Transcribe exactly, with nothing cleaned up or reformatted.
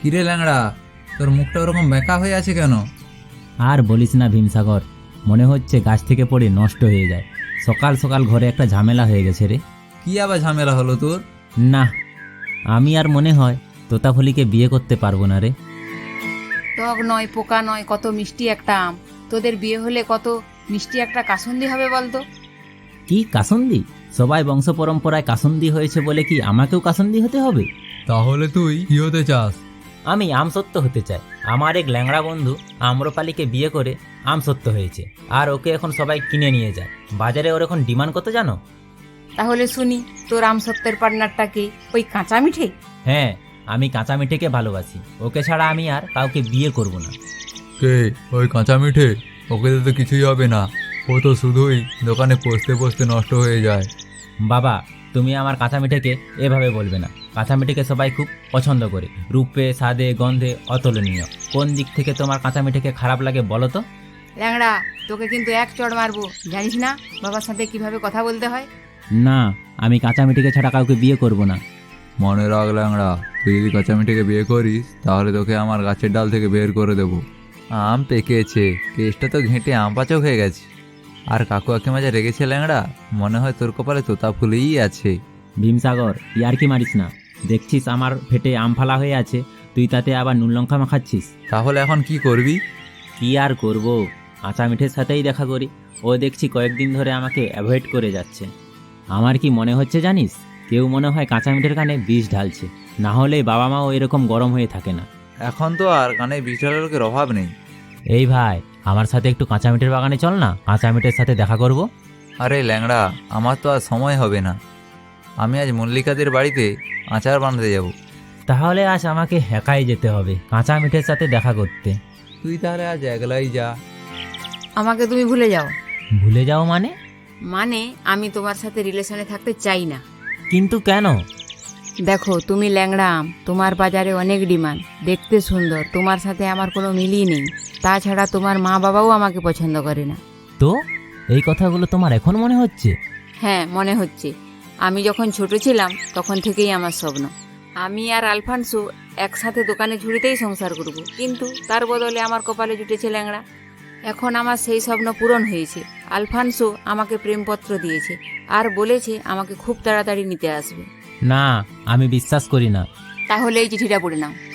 কিরে ল্যাংড়া, তোর মুখটা ওরকম বেঁকা হয়ে আছে কেন? আর বলিস না ভীমসাগর, মনে হচ্ছে গাছ থেকে পড়ে নষ্ট হয়ে যায়। সকাল সকাল ঘরে একটা ঝামেলা হয়ে গেছে রে। কি আবার ঝামেলা হলো তোর? না, আমি আর মনে হয় তোতাফলিকে বিয়ে করতে পারবো না রে। টক নয়, পোকা নয়, কত মিষ্টি একটা আম। তোদের বিয়ে হলে কত মিষ্টি একটা কাসুন্দি হবে বলতো। কি কাসুন্দি? সবাই বংশ পরম্পরায় কাসুন্দি হয়েছে বলে কি আমাকেও কাসুন্দি হতে হবে? তাহলে তুই কি হতে চাস? আমি আমসত্ত্ব হতে চাই। আমার এক ল্যাংড়া বন্ধু আম্রপালিকে বিয়ে করে আমসত্ত্ব হয়েছে, আর ওকে এখন সবাই কিনে নিয়ে যায়। বাজারে ওর এখন ডিমান্ড কত জানো? তাহলে শুনি, তোর আম সত্যের পার্টনারটা কে? ওই কাঁচা মিঠে? হ্যাঁ, আমি কাঁচা মিঠেকে ভালোবাসি। ওকে ছাড়া আমি আর কাউকে বিয়ে করব না। কে ওই কাঁচা মিঠে? ওকে তো কিছুই হবে না, ও তো শুধুই দোকানে পচতে পচতে নষ্ট হয়ে যায়। বাবা, তুমি আমার কাঁচা মিঠেকে এভাবে বলবে না। কাঁচা মিঠেকে সবাই খুব পছন্দ করে, রূপে, স্বাদে, গন্ধে অতুলনীয়। কোন দিক থেকে তোমার কাঁচা মিঠেকে খারাপ লাগে বলো তো? ল্যাংড়া, তোকে কিন্তু এক চড় মারবো, জানিস না বাবার সাথে কিভাবে কথা বলতে হয়? না, আমি কাঁচা মিঠেকে ছাড়া কাউকে বিয়ে করব না। মনে রাখ ল্যাংড়া, তুই যদি কাঁচা মিঠেকে বিয়ে করিস তাহলে তোকে আমার গাছের ডাল থেকে বের করে দেবো। আম পেকেছে, কেসটা তো ঘেঁটে আম পাচক হয়ে গেছে। আর কাকু কাকিমা যা রেগেছে ল্যাংড়া, মনে হয় তোর কপালে তোতা ফুলেই আছে। ভীমসাগর, ইয়ার কি মারিস না? দেখছিস আমার ফেটে আম ফালা হয়ে আছে, তুই তাতে আবার নুন লঙ্কা মাখাচ্ছিস। তাহলে এখন কি করবি? কি আর করব, কাঁচা মিঠের সাথেই দেখা করি। ও দেখছি কয়েকদিন ধরে আমাকে অ্যাভয়েড করে যাচ্ছে। আমার কি মনে হচ্ছে জানিস, কেউ মনে হয় কাঁচা মিঠের কানে বিষ ঢালছে, না হলে বাবা মাও এরকম গরম হয়ে থাকে না। এখন তো আর কানে বিশাল লোকের অভাব নেই। এই ভাই, আমার সাথে একটু কাঁচা মিঠের বাগানে চল না, কাঁচা মিঠের সাথে দেখা করব। আরে ল্যাংড়া, আমার তো আর সময় হবে না। আমি আজ মল্লিকাদের বাড়িতে আচার বানাতে যাব। তাহলে আজ আমাকে একাই যেতে হবে কাঁচা মিঠের সাথে দেখা করতে। তুই তাহলে আজ একলাই যা। আমাকে তুমি ভুলে যাও। ভুলে যাও মানে? মানে আমি তোমার সাথে রিলেশনে থাকতে চাই না। কিন্তু কেন? দেখো, তুমি ল্যাংড়া আম, তোমার বাজারে অনেক ডিমান্ড, দেখতে সুন্দর, তোমার সাথে আমার কোনো মিলই নেই। তাছাড়া তোমার মা বাবাও আমাকে পছন্দ করে না। তো এই কথাগুলো তোমার এখন মনে হচ্ছে? হ্যাঁ, মনে হচ্ছে। আমি যখন ছোট ছিলাম তখন থেকেই আমার স্বপ্ন, আমি আর আলফানসো একসাথে দোকানে ঝুড়িতেই সংসার করব, কিন্তু তার বদলে আমার কপালে জুটেছে ল্যাংড়া। এখন আমার সেই স্বপ্ন পূরণ হয়েছে। আলফানসো আমাকে প্রেমপত্র দিয়েছে আর বলেছে আমাকে খুব তাড়াতাড়ি নিতে আসবে। না, আমি বিশ্বাস করি না। তাহলে এই চিঠিটা পড়ে নাও।